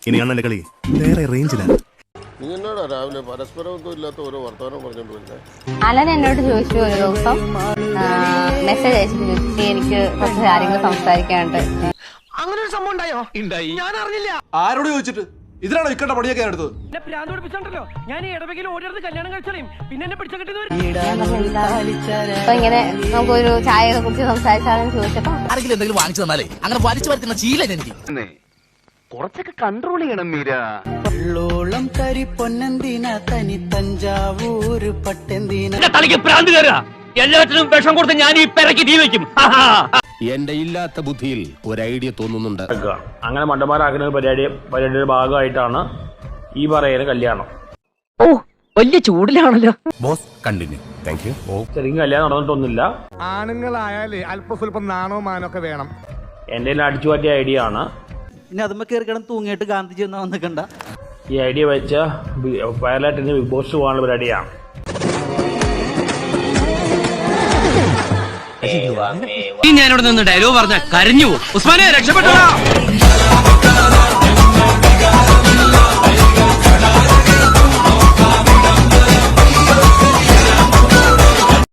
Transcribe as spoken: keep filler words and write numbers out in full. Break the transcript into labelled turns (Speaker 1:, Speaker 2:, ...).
Speaker 1: ഇനി അണ്ണന്റെ കളി വേറെ റേഞ്ചിലാണ്.
Speaker 2: നീ എന്നാടാ രാവിലെ പരസ്പരമൊന്നും ഇല്ലാത്ത ഓരോ വർത്തമാനം പറഞ്ഞോണ്ട്
Speaker 3: അലൻ എന്നോട് ചോദിച്ചു ഒരു ദിവസം മെസ്സേജ് അയച്ചിട്ട് ചോദിച്ചു എനിക്ക് കുറച്ച് കാര്യങ്ങൾ സംസാരിക്കാനുണ്ട്.
Speaker 4: അങ്ങനെ ഒരു സംഭവം ഉണ്ടായോ? ഉണ്ടായി. ഞാൻ അറിഞ്ഞില്ല.
Speaker 5: ആരോട് ചോദിച്ചിട്ട്? ഇതിനാണോ ഇക്കണ്ട പണിയൊക്കെ എടുത്തത്?
Speaker 4: ഞാൻ ഇടവകയിൽ ഓടിയത് കല്യാണം കഴിച്ചാലും പിന്നെ എന്നെ പിടിച്ചു
Speaker 3: അപ്പൊ ഇങ്ങനെ നമുക്കൊരു ചായ ഒക്കെ കുറിച്ച് സംസാരിച്ചാലും ചോദിച്ചപ്പോ
Speaker 6: ആരെങ്കിലും എന്തെങ്കിലും വാങ്ങിച്ചു തന്നാലേ അങ്ങനെ വലിച്ചു വരുത്തുന്ന ശീലം എനിക്ക്.
Speaker 4: കുറച്ചൊക്കെ കൺട്രോൾ ചെയ്യണം മീര.
Speaker 7: ഉള്ളോളം തരി പൊന്നെന്തിന തനി തഞ്ചാവൂര് പട്ടെന്തിന
Speaker 4: തലയ്ക്ക് പ്രാന്ത് കയറുക. എല്ലാത്തിനും വിഷം കൊടുത്ത് ഞാൻ ഈ പെരക്ക് തീ വെക്കും.
Speaker 8: എന്റെ ഇല്ലാത്ത ബുദ്ധിയിൽ ഒരു ഐഡിയ തോന്നുന്നുണ്ട്.
Speaker 9: അങ്ങനെ മണ്ടന്മാരാക്കുന്ന പരിപാടി പരിപാടിയുടെ ഭാഗമായിട്ടാണ് ഈ പറയുന്ന കല്യാണം.
Speaker 4: ഓ വലിയ ചൂടിലാണല്ലോ.
Speaker 8: Boss continue. Thank you.
Speaker 9: ശരിക്കും കല്യാണം നടന്നിട്ടൊന്നുമില്ല.
Speaker 5: ആണുങ്ങളായാലേ അല്പം സ്വല്പം നാണോ മാനോ ഒക്കെ വേണം.
Speaker 9: എന്റെ അടിച്ചു പറ്റിയ ഐഡിയ ആണ്.
Speaker 7: ഇനി അതുമ്പോ കയറി കിടന്ന് തൂങ്ങിയിട്ട് ഗാന്ധിജി ഒന്നും വന്നിക്കണ്ട.
Speaker 9: ഈ ഐഡിയ വെച്ച വയലായിട്ട് ബിഗ് ബോസ് പോകാനുള്ള പരിപാടിയാണ്.
Speaker 4: ഞാനിവിടെ നിന്ന് ഡയലോഗ് പറഞ്ഞ കരഞ്ഞു. ഉസ്മാനെ രക്ഷപ്പെട്ടോ.